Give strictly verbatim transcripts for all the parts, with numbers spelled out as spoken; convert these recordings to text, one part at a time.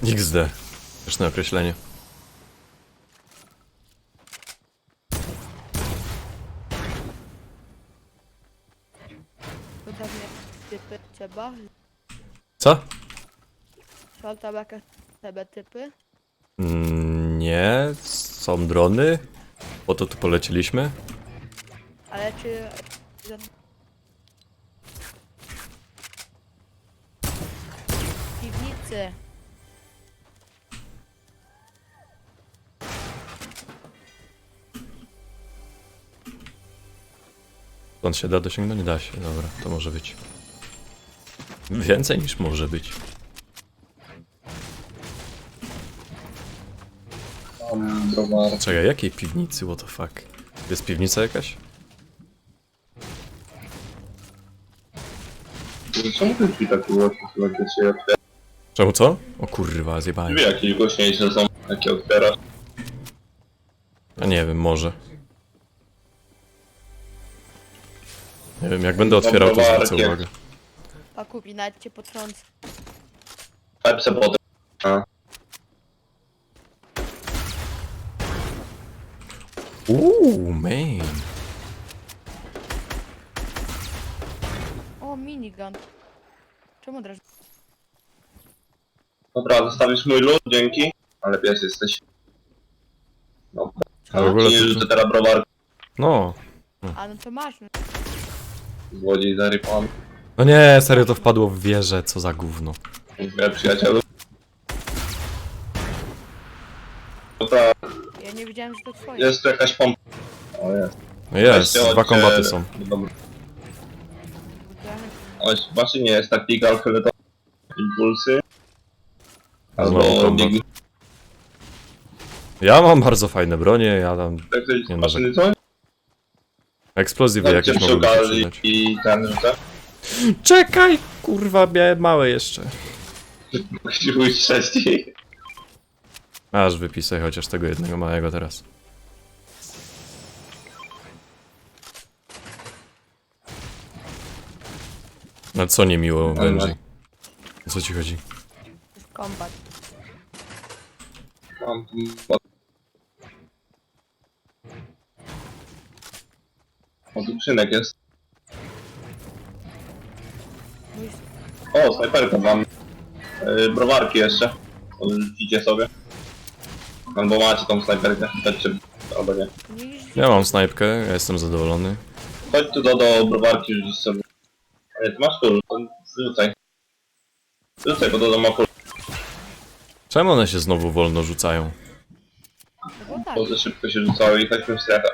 iks de. Śmieszne określenie. Podobnie typy trzeba. Co? Są tam jakieś sobie typy. Mm, nie, są drony. Po to tu polecieliśmy. Ale czy... W piwnicy. Stąd się da dosięgnąć? Da się, dobra, to może być. Więcej niż może być. Tam browar. Czekaj, jakiej piwnicy, what the fuck? Jest piwnica jakaś? Czemu te drzwi takie głośne są, jak się otwiera? Czemu co? O kurwa, zjebałem. Drzwi jakieś głośniejsze są, jakie otwierasz. A nie wiem, może. Nie wiem, jak będę otwierał, to zwrócę uwagę. Pakupi, nawet cię potrącę. Pepse potem. A. Uuu, man. O, minigun. Czemu draż... Dobra, zostawisz mój lód, dzięki. Ale pies jesteś. No, A w ogóle ale nie to- rzucę teraz browar. No. A no to masz. No. Złodziej zarypany. No nie, serio to wpadło w wieżę, co za gówno. Dziękuję, przyjacielu. Dobra, Ja nie wiedziałem, że to twoje. jest tu jakaś pompa. O jest. No jest, Weźcie, dwa chodźcie- kombaty są. Dobra. Oj, właśnie nie jest taktika, fioletowa. Impulsy. Znowu Albo kombat. biegi. Ja mam bardzo fajne bronie, ja tam... Tak, to jest Nie maszyny coś? Eksplozywy Dajcie jakieś przy mogą się okazji przydać. i ten rzucę. Czekaj! Kurwa, miałem małe jeszcze. Musi pójść trzeci. Aż wypisaj chociaż tego jednego małego teraz. No co niemiło, Benji? O co ci chodzi? To jest kombat. Mam tu... O, tu krzynek jest. Mój... O, snajperka mam. Yy, browarki jeszcze. Rzucicie sobie. Albo macie tą snajperkę. Znaczy, albo nie. Nie, Ja mam snajpkę, ja jestem zadowolony. Chodź tu do, do browarki, rzucić sobie. Nie, ty masz tu, to rzucaj. Rzucaj, bo to do mapu. Czemu one się znowu wolno rzucają? no bo tak. Bo za szybko się rzucały i chodźmy w strefę.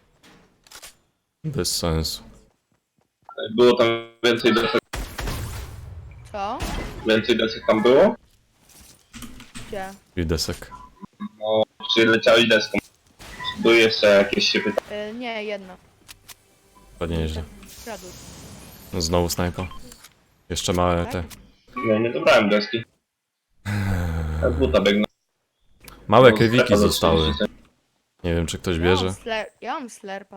Bez sensu. Było tam więcej desek. Co? Więcej desek tam było? Gdzie? I desek. No, przyleciały deską. Były jeszcze jakieś się pyta. Y, nie, jedno. Ładnie nieźle. Kradł. No znowu snajpa. Jeszcze małe te. Nie, nie dobrałem deski. Ja z buta biegnę. Małe No, kewiki strefa za zostały. trzydzieści. Nie wiem, czy ktoś Ja bierze. mam, sler... ja mam slerpa.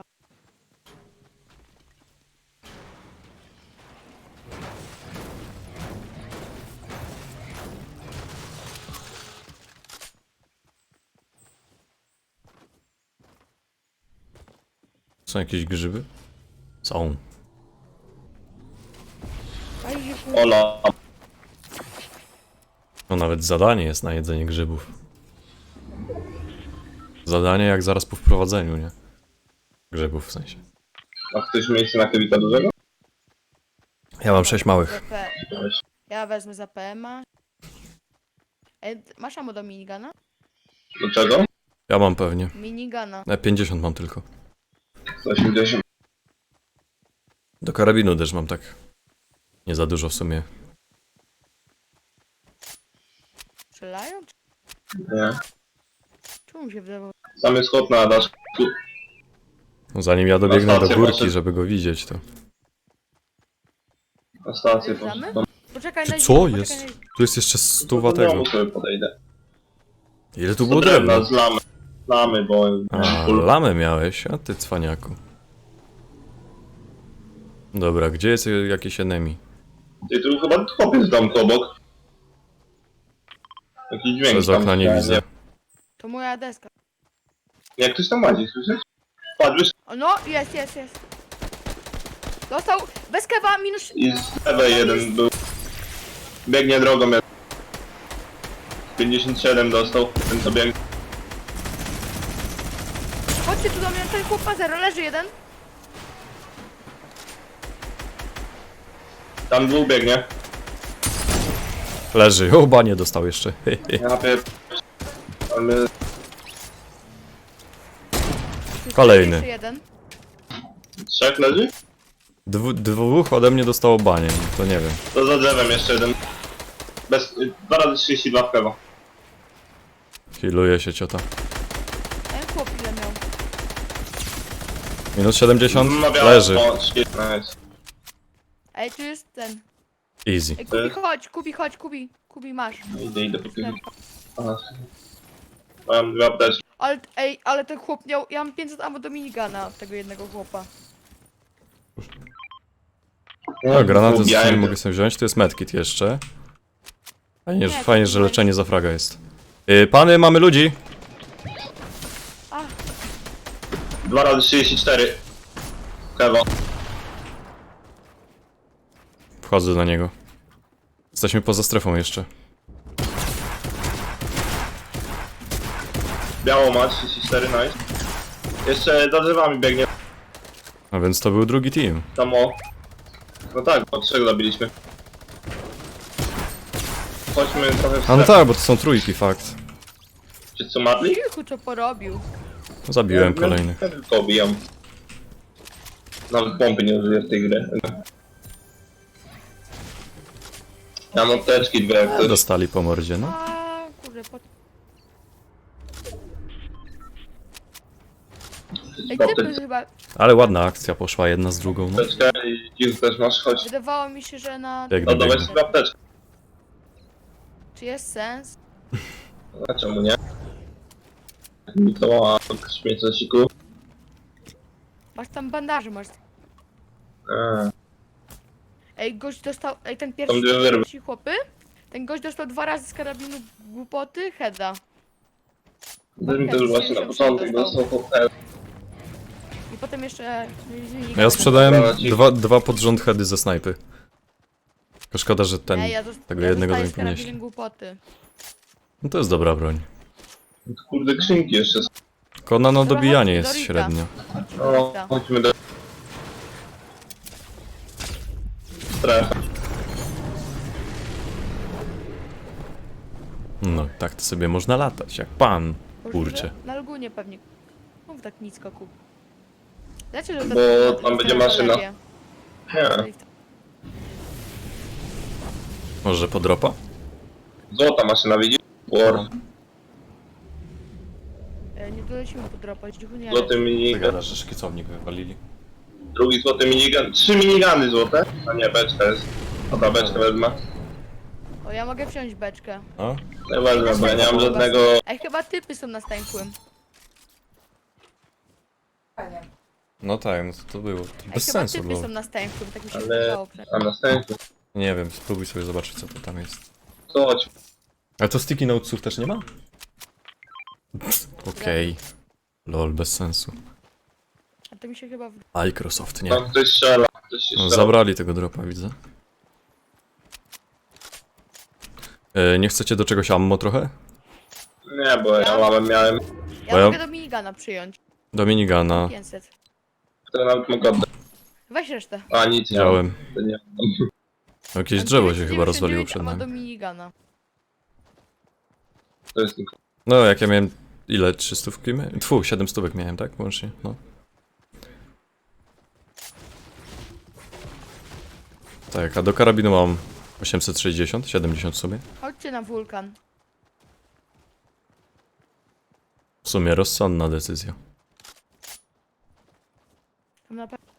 Są jakieś grzyby? Są. Aj, że Ola. No nawet zadanie jest na jedzenie grzybów. Zadanie jak zaraz po wprowadzeniu, nie? Grzybów w sensie. Ma ktoś miejsce na kewika dużego? Ja mam sześć małych. za P... Weź. Ja wezmę za P M a. Ej, masz ammo do minigana? Do czego? Ja mam pewnie. Minigana. Na pięćdziesiąt mam tylko. sto osiemdziesiąt. Do karabinu też mam tak. Nie za dużo w sumie. Strzelają? Nie. Czemu się wydawało? Sam jest chłop na daszku. No zanim ja dobiegnę do stację górki, może- żeby go widzieć, to... Na stację Wjeżdżamy? poszedł. Poczekaj Ty na co poczekaj jest? na- Tu jest jeszcze stuwa Do tego. domu sobie podejdę. Ile tu Do było drewna drewna? z lamy. Lamy, bo... A, lamę miałeś, a ty cwaniaku. Dobra, gdzie jest jakiś enemy? Ty tu chyba chłopiec w domku obok. Jak Jakiś dźwięk Przez tam, okna nie ja widzę. To moja deska. Jak ktoś tam łazi, słyszysz? Patrz, wyszedł O no, jest, jest, jest. Dostał, bez kewa, minus... i z lewej jeden był. Biegnie drogą, jak... pięćdziesiąt siedem dostał, ten co biegnie. Chodźcie tu do mnie, ten chłop ma zero, leży jeden. Tam dwóch biegnie. Leży. Oba nie dostał jeszcze. Ja pier... Ale... Kolejny. Jeszcze jeden. Trzech leży? Dwu, dwóch ode mnie dostało banie. To nie wiem. To za drzewem jeszcze jeden. Bez... dwa razy trzydzieści dwa w prawo. Healuje się ciota. Ten chłop ile miał? Minus siedemdziesiąt. No, miałem- Leży. O, trzydzieści, nice. Ej, tu jest ten. Easy. Ej, Kubi, chodź, Kubi, chodź, Kubi. Kubi, masz. Idę, idę po tym. Mam dwie apteczki. Ale, ej, ale ten chłop miał, ja mam pięćset ammo do minigana od tego jednego chłopa. No, granaty z Lubiałem nie to. mogę sobie wziąć. Tu jest medkit jeszcze. Fajnie, że, Nie, fajnie, to że nie. leczenie za fraga jest. Yy, pany, mamy ludzi. A, dwa razy trzydzieści cztery. Kewo. Wchodzę do niego. Jesteśmy poza strefą jeszcze. Biało ma trzydzieści cztery, nice. Jeszcze za drzewami biegnie. A więc to był drugi team. Tam o. No tak, bo trzech zabiliśmy. Chodźmy trochę w A no strefę. tak, bo to są trójki, fakt. Czy co matli? cichu co porobił. Zabiłem kolejnych. Ja tylko obijam. Nawet pompy nie użyję w tej grze. Ja mam apteczki dwie jak ktoś. Dostali po mordzie, no. A, kurde, po... Ej, typy Apteczkę chyba, Ale ładna akcja poszła jedna z drugą, no. i dziś też masz, chodź. wydawało mi się, że na... Biegnę, Oddawaj biegnę. sobie apteczkę. Czy jest sens? A czemu nie? Mi to ma śmiecociku. Masz tam bandaże, masz... Eee. Ej, gość dostał, ej, ten Tam pierwszy, dwie wyrwy. pierwsi chłopy, ten gość dostał dwa razy z karabinu głupoty, heada. Też mi też właśnie na początek dostał hotel. I potem jeszcze... Ja sprzedałem Dobra, ci- dwa, dwa pod rząd heady ze snajpy. Tylko szkoda, że ten... Nie, ja dost, tego ja jednego dostaję nie z karabinem podnieśli. głupoty. No to jest dobra broń. Kurde, skrzynki jeszcze. Tylko na no Dobra, dobijanie chodźmy jest do Rita. średnio. No, Rita. chodźmy do... Strefę. No, tak to sobie można latać, jak pan. Boże, Kurczę. Na Lugunie pewnie. Mów tak nisko kup. Dlaczego Bo to- tam to- będzie to- maszyna. to- Nie. Może podropa? Złota maszyna, widzisz? War. E, Nie dolecimy podropać, cichu nie. Złoty minigun. że szkicownik wywalili. Drugi złoty minigun. Trzy minigany złote. A nie, beczka jest. Dobra, beczkę wezmę. O, ja mogę wziąć beczkę. A? Nie wezmę, bo ja nie mam żadnego... Ej, chyba typy są na stękłym. No tak, no to, to było. To Ej, bez chyba sensu typy było. są na stękłym, tak mi się Ale... wydawało. A następny. Nie wiem, spróbuj sobie zobaczyć, co to tam jest. To chodź. Ale to sticky notesów też nie ma? Okej. Lol, bez sensu. A to mi się chyba... w- Microsoft, nie. Tam ktoś strzela. Ktoś się No, strzela. zabrali tego dropa, widzę. E, nie chcecie do czegoś ammo trochę? Nie, bo ja mam, miałem... Ja Bo ja- mogę do minigana przyjąć. Do minigana. pięćset. Które nawet mogę oddać. Weź resztę. A, nic nie mam. Wziąłem. To nie mam. Jakieś drzewo się chyba rozwaliło przed A ma do nami. minigana. To jest tylko... No, jak ja miałem... Ile? trzy stówki miałem? Tfu, siedem stówek miałem, tak? Łącznie, no. Tak, a do karabinu mam osiemset sześćdziesiąt, siedemdziesiąt w sumie. Chodźcie na wulkan. W sumie rozsądna decyzja. Tam na pewno.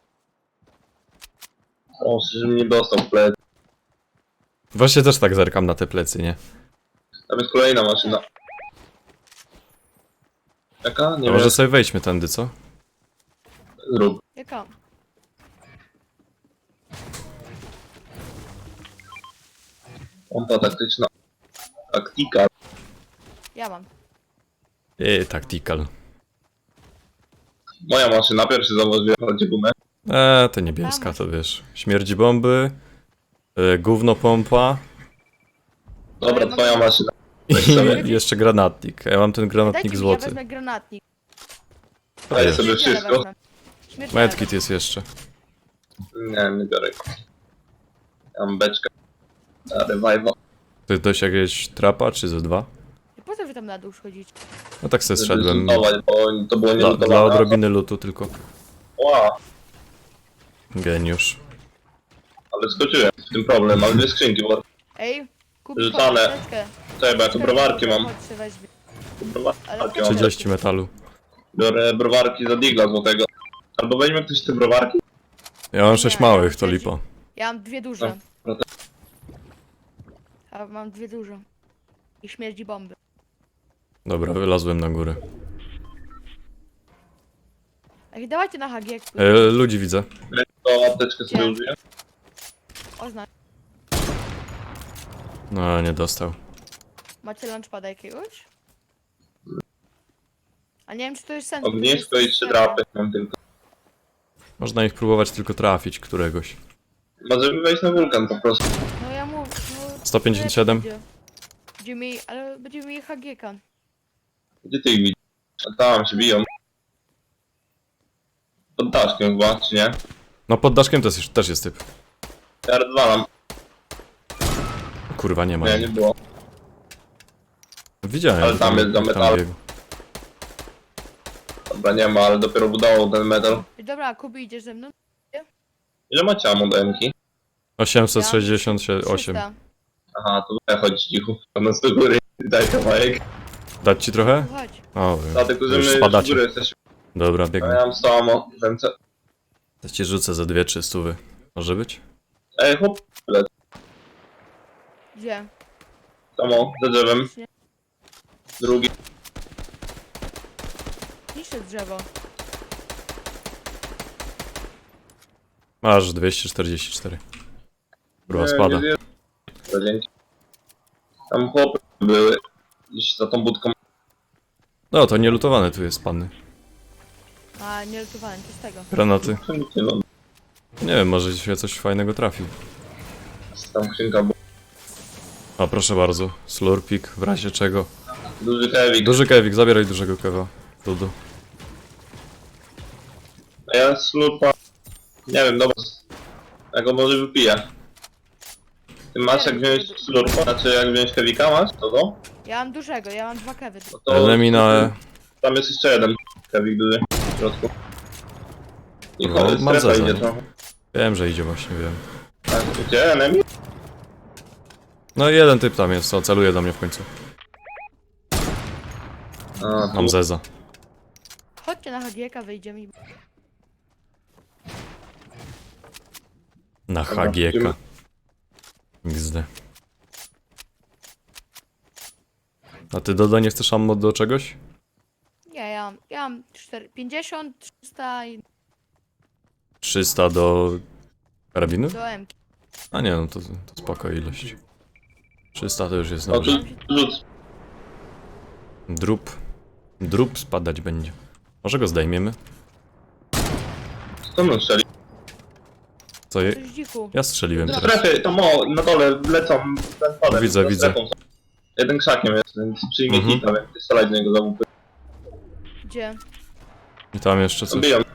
O, żebym nie dostał w plec. Właśnie też tak zerkam na te plecy, nie? Tam jest kolejna maszyna. Jaka? Nie To wiem. może sobie wejdźmy tędy, co? Zrób. Jaka? Pompa taktyczna. Taktika. Ja mam. Eee, tactical. Moja maszyna pierwszy założyła chodzi gumę. Eee, to niebieska, to wiesz. Śmierdzi bomby. Yy, gówno pompa. Dobra, Ale twoja mogę- maszyna. I jeszcze granatnik. Ja mam ten Dajcie granatnik mi, ja złoty. wezmę granatnik. Daj jest. sobie Śmierdziele wszystko. wezmę. Śmierdziele Medkit jest jeszcze. Nie, nie biorę. Ja mam beczkę. A, revival. Ty dość jakieś trapa, czy ze dwa? wezmę. Po co wy tam na dół schodzić? No tak se Żeby zszedłem. zlutować, bo to było Dla, nielutowane. dla odrobiny lutu tylko. Wow, Geniusz. ale skoczyłem. W tym problem, mam dwie skrzynki, bo Ej, kup Rzucane. apteczkę. czekaj, bo ja tu browarki mam. Chodź się weźmie. Tu browarki Ale mam. trzydzieści metalu. Biorę browarki za digla złotego. Albo weźmie ktoś te browarki? Ja mam sześć Nie, ja małych, to mam lipa. Ja mam dwie duże. No, to- A mam dwie duże. I śmierdzi bomby. Dobra, wylazłem na górę. Ej, dawajcie na H G. E, ludzi widzę. To apteczkę sobie Gdzie? użyję. Oznacz. No, nie dostał. Macie lunchpada jakiegoś? A nie wiem, czy to jest sens. bo to Ognisko jest i trzy strefa. drapy mam tylko. Można ich próbować tylko trafić, któregoś. Możemy wejść na wulkan po prostu. No ja mówię. No, sto pięćdziesiąt siedem. Będzie. Będziemy mieli, ale będziemy mieli H G K. Gdzie ty ich widzisz? A tam się biją. Pod daszkiem chyba, czy nie? No pod daszkiem też, jest- też jest typ. Ja rozwalam. Kurwa, nie ma. Nie, nie było. Widziałem. Ale tam jest za metal. biegł. Dobra, nie ma, ale dopiero budował ten metal. Ej, dobra, Kubi, idziesz ze mną? Ile macie ammo do M-ki? osiemset sześćdziesiąt osiem. trzysta. Aha, to ja chodź cichu. Tam nas do góry. Daj kawałek. Dać ci trochę? Chodź. O, Dlatego, że już my już w spadacie. góry jesteśmy. Dobra, A biegnę. ja mam sto ammo w ręce. To ci rzucę za dwie, trzy stówy. Może być? Ej, chłop, Gdzie? samo, za drzewem. Nie. Drugi. Niszczy drzewo. Masz dwieście czterdzieści cztery. Kurwa, Nie, spada. nie, nie. Dobra, dzięki. Tam chłopy były. Gdzieś za tą budką. No, to nielutowane tu jest, panny. A, nie lutowałem, co z tego? Granaty. Czemu nie no? Nie wiem, może się coś fajnego trafił. Tam skrzynka była. O, proszę bardzo. Slurpik, w razie czego. Duży heavy. Duży kewik, zabieraj dużego kewa. Dudu. A ja slurpa. Nie wiem, dobra. Ja go może wypiję. Ty masz jak wziąć slurpa? Znaczy jak wziąć heavika masz? To to? Ja mam dużego, ja mam dwa kewy. No to Enemy na E. tam jest jeszcze jeden heavik duży w środku. I No, chodź, mam strefa zeza, idzie nie? trochę. Wiem, że idzie właśnie, wiem. Tak, gdzie enemy? No i jeden typ tam jest, co celuje do mnie w końcu. A, Mam tu. zeza. Chodźcie na H G K, wyjdziemy i... Na Dobra, H G K. idziemy. X D. A ty Dodo nie chcesz ammo do czegoś? Nie, ja mam, ja mam cztery, pięćdziesiąt, trzysta i trzysta do karabinu? do M. A nie, no to, to spoko ilość. trzysta to już jest O, tu dobrze. rzuc. Drup. Drup spadać będzie. Może go zdejmiemy? Co mną strzeli? Co je? Coś dziku. Ja strzeliłem Do teraz. strefy, to mo, na dole lecą ten palec. Widzę, za widzę. strefą są. Jeden krzakiem jest, więc przyjmie Mhm. hita, więc strzelać do niego za łupy. Gdzie? I tam jeszcze coś. Biją.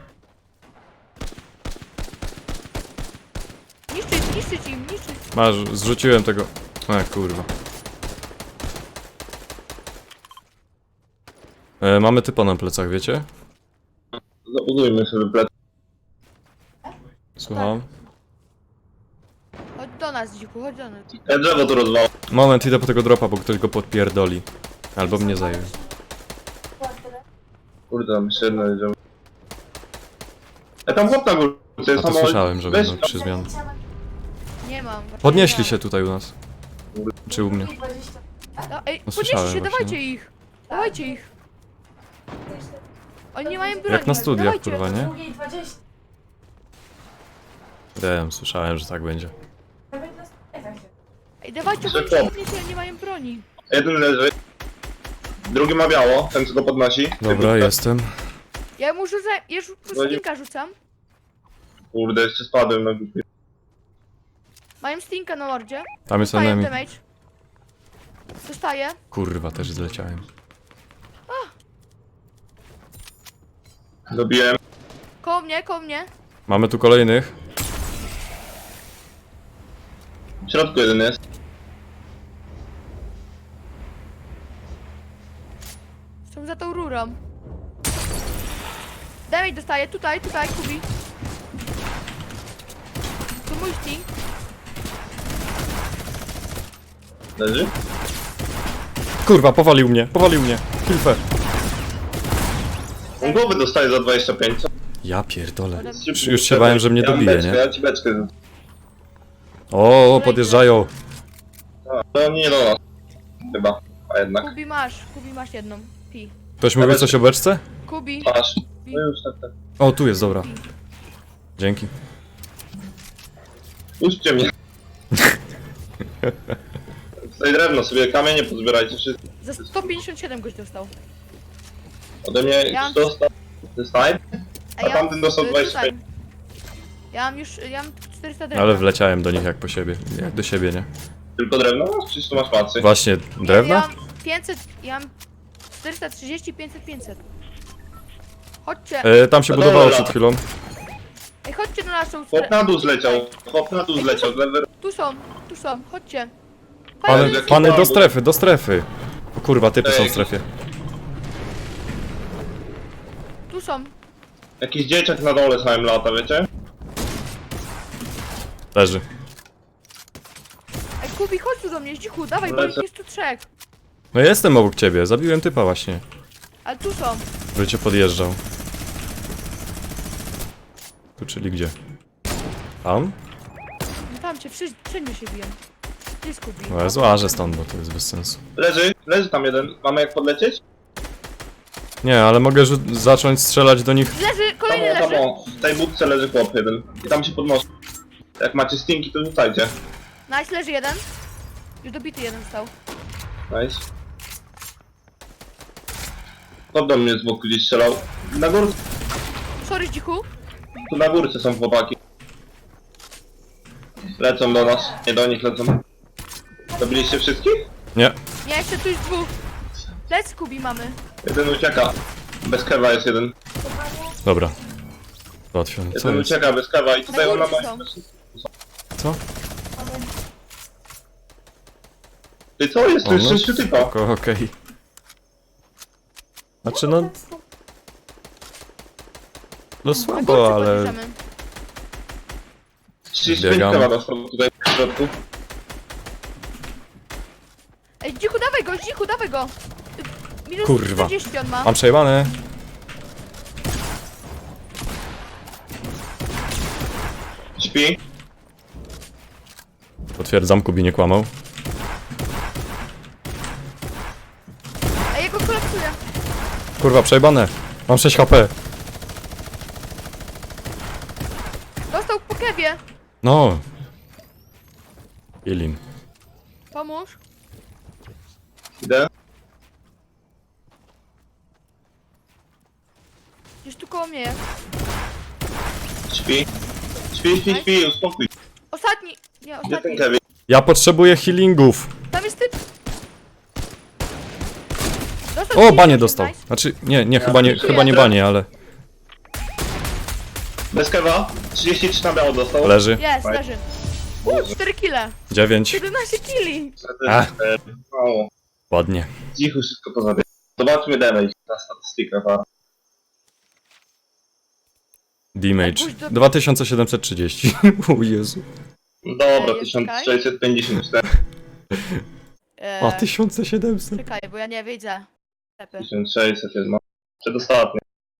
Niszczyć, niszczyć im, niszczyć. Masz, zrzuciłem tego. A kurwa. E, mamy typa na plecach, wiecie? Zabudujmy sobie plec. Słucham. Chodź do nas, dziku, chodź do nas. Ja drzewo tu rozwalam. Moment, idę po tego dropa, bo ktoś go podpierdoli. Albo mnie zajmie. Kurde, tam jeszcze jedno drzewo. Ja tam chłop na górze. To A jest to samo... słyszałem, że Weź będą trzy zmiany. Nie mam. Podnieśli Nie się tutaj u nas. Czy u mnie? mam. No, ej, No, podnieście słyszałem się, właśnie, dawajcie no. ich. Dawajcie ich. Oni nie mają broni. Jak na studiach, dawajcie. kurwa, nie? Drugiej dwadzieścia. Wiem, słyszałem, że tak będzie. Nawet na studiach się. Ej, dawajcie, bo Szybko. oni nie, nie mają broni. Jeden leży. Drugi ma biało, ten co go podnosi. Dobra, jestem. Ja mu rzucę, ja już stinka rzucam. Kurde, jeszcze spadłem na górę. Mają stinka na mordzie. Tam jest Dostaję enemy. damage. Dostaję. Kurwa, też zleciałem. Dobiłem. Koło mnie, koło mnie. Mamy tu kolejnych. W środku jeden jest. Są za tą rurą. Damage dostaję, tutaj, tutaj, Kubi. Tu mój stink. Leży? Kurwa, powalił mnie, powalił mnie. Hilfe. On głowy dostaje za dwadzieścia pięć. co? Ja pierdolę. Szybko, Już się bałem, że mnie ja mam dobije, beczkę, nie? Ja ci beczkę. O, podjeżdżają. A, to nie do nas. Chyba. A jednak. Kubi masz, Kubi masz jedną. Pi. Ktoś mówi coś o beczce? Kubi. Masz. No już tak, tak. O, tu jest, dobra. Dzięki. Puśćcie mnie. Tutaj drewno sobie, kamienie pozbierajcie wszystko. Za sto pięćdziesiąt siedem goś dostał. Ode mnie Ja mam- dostał. Ten snipe. A A tamten dostał y, dwadzieścia tutaj. pięć. Ja mam już, ja mam czterysta drewna. Ale wleciałem do nich jak po siebie. Jak do siebie, nie? Tylko drewno? No, Czysto masz macy. Właśnie, Ja drewna? mam pięćset, ja mam czterysta trzydzieści, pięćset, pięćset. Chodźcie, E, tam się No budowało dobra. przed chwilą. ej, chodźcie na naszą Chłop strefę. na dół zleciał. Chłop na dół zleciał. z lewej- Tu są, tu są, chodźcie. Pany, Chodźcie. jaki pany do bambus. strefy, do strefy. O kurwa, typy są w Ej. strefie. Tu są. Jakiś dzieciak na dole samym lata, wiecie? Leży. Ej, Kubi, chodź tu do mnie, zdzichu, dawaj, bo Lecę. ich jest tu trzech. No jestem obok ciebie, zabiłem typa właśnie. Ale tu są. Który cię podjeżdżał. Tu, czyli gdzie? Tam? No tam cię, wszędzie, wszędzie się biją. Gdzie jest Kubi? No ja złażę stąd, bo to jest bez sensu. Leży, leży tam jeden. Mamy jak podlecieć? Nie, ale mogę rzu- zacząć strzelać do nich. Leży, Tam kolejny o, tam leży. o. W tej budce leży chłop jeden. I tam się podnosi. Jak macie stinki, to rzucajcie. Nice, leży jeden. Już dobity jeden stał. Nice. Kto do mnie z boku gdzieś strzelał? Na górce, Sorry, zdzichu. tu na górce są chłopaki. Lecą do nas. Nie do nich lecą. Zabiliście wszystkich? Nie. Nie, jeszcze tu jest dwóch. Lec, Kubi mamy. Jeden ucieka. Bez kewa jest jeden. Dobra. Załatwiony. Co Jeden jest? ucieka bez kewa i tutaj Na ona górce ma... są. Co? Ty co jest? O, To jest no, sześciu typa. spoko, okej. Znaczy no... No Na słabo, górce ale... podjeżdżamy. trzydzieści pięć Biegam. kewa dostał tutaj w środku. Ej, zdzichu, dawaj go, zdzichu, dawaj go. Minus Kurwa. czterdzieści on ma. Mam przejebane. Śpi. Potwierdzam, Kubi nie kłamał. Ej, ja go kolapsuję. Kurwa, przejebane. Mam sześć H P. Dostał po kewie. No. Ilin. Pomóż. Idę. Gdzieś tu koło mnie jest. Śpi. Śpi, śpi, śpi, uspokój. Ostatni. Nie, Gdzie ostatni. ten Kevin? Ja potrzebuję healingów. Tam jest typ. Dostał O, trzydzieści banie osiem, dostał. nice. Znaczy, nie, nie, chyba nie, już chyba nie jadę. banie, ale... Bez kewa. trzydzieści trzy na biało dostał. Leży. Jest, leży. Uuu, cztery kile. dziewięć. siedemnaście kili. A. Mało. Ładnie. Cicho wszystko pozabie. Zobaczmy damage na statystykach. a. Damage. Pójdź do- dwa tysiące siedemset trzydzieści. O Jezu. Dobra, Ej, tysiąc czekaj. sześćset pięćdziesiąt cztery. Eee, O, tysiąc siedemset. czekaj, bo ja nie widzę. Lepy. tysiąc sześćset jest no. Przedostatnie.